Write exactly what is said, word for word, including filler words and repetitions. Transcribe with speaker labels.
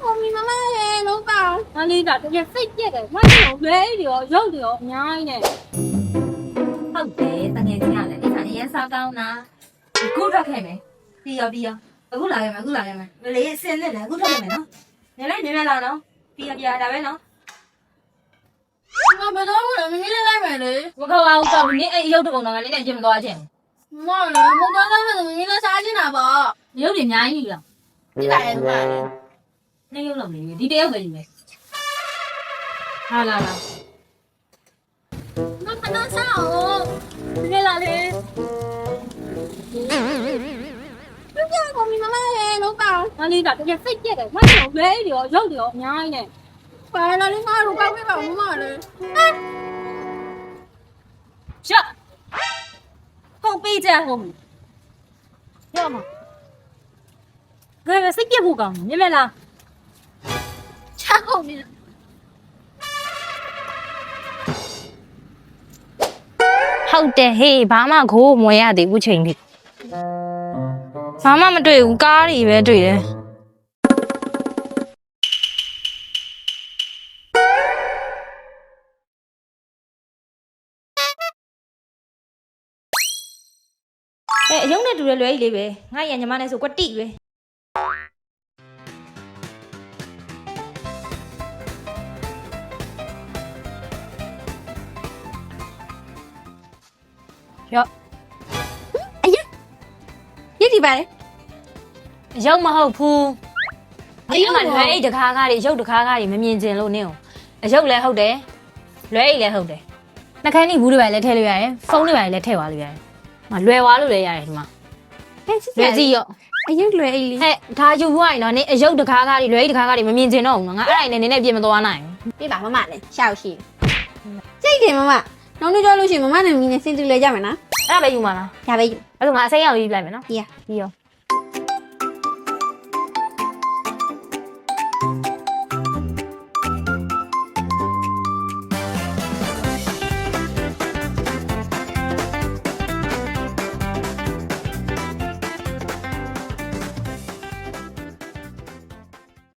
Speaker 1: 我咪妈妈嘞，老板，哪里的？这些废铁的，我有累的哦，有的哦，娘的。
Speaker 2: ဟုတ်တယ်တကယ်ကြီးရတယ်ဒီခါနေရစားကောင်းတာအခုထွက်ခဲ့မယ်ပြီးရောပြီးရောအခုလာခဲ့မယ်အခုလာခဲ့မယ်မလေးအစင်းနဲ့လည်းအခုထွက်ခဲ့မယ်နော်နေလိုက်နေလိုက်လာနော်ပြီးရောပြီးရဒါပဲနော်
Speaker 1: 我不知道我明天来买嘞。
Speaker 2: မကောင်းအောင်တော့နင်းအဲ့ရုပ်တပုံတော့ကလည်းနဲ့ကျင်မသွားခြင်း
Speaker 1: 妈嘞，我刚刚那明天杀进来吧。
Speaker 2: ရုပ်တွေအများကြီးလား
Speaker 1: 你来的吧？
Speaker 2: နေရုပ်လုံးလေးဒီတယောက်ပဲယူမယ်ဟာလာလာ
Speaker 1: 那看到啥哦？明天来嘞。不要我咪妈妈嘞，老板，哪里的？这些废铁的，我有累的哦，有的哦，娘的。快来，你妈老板会帮我妈嘞。
Speaker 2: ရှော့ဟုတ်ပေးကြဟုတ်ပြီရောမငါပဲစိတ်ပြတ်ဖို့ကောင်းမြင်မလား
Speaker 1: 超后面。
Speaker 3: ဟုတ်တယ်ဟေးဘာမှခိုးမွေရသေးဘူးချိန်ထိဘာမှမတွေ့ဘူးကားတွေပဲတွေ့တယ်အဲအယုံနဲ့တူတယ်လွယ်ကြီးလေးပဲငါရညီမနဲ့ဆိုကွတိပဲရောအယရည်ဒီပါလေအယုံမဟုတ်ဘူးအယုံကလွယ်အိတ်တကားကားတွေအယုံတကားကားတွေမမြင်ကျင်လို့နင်းအယုံလည်းဟုတ်တယ်လွယ်အိတ်လည်းဟုတ်တယ်နှခမ်းကြီးဘူးတွေပါလည်းထည့်လို့ရတယ်ဖုန်းတွေပါလည်းထည့်သွားလို့ရတယ်မလွယ်သွားလို့လည်းရတယ်ဒီမှာလွယ်စီရောအယုံလွယ်အိတ်လေးဟဲ့ဒါယူဖို့ရင်တော့နင်းအယုံတကားကားတွေလွယ်အိတ်တကားကားတွေမမြင်ကျင်တော့ဘူးနော်ငါအဲ့ဒါနဲ့နင်းနဲ့ပြင်မသွားနိုင်ဘူး
Speaker 1: ပြပါမမလည်းရှောက်ရှိစိတ်တယ်မမနောက်နေ့ကြောက်လို့ရှိရင်မမနဲ့မင်းနဲ့စင်တူလဲကြမယ်နော်
Speaker 3: အဲ့ဒါပဲယူမှာလား
Speaker 1: ဒါပဲယူ
Speaker 3: အဲ့ဒါငါအစိမ်းရောင်ရေးပြလိုက်မယ်နော်
Speaker 1: ပြီးရ
Speaker 3: ပြီးရော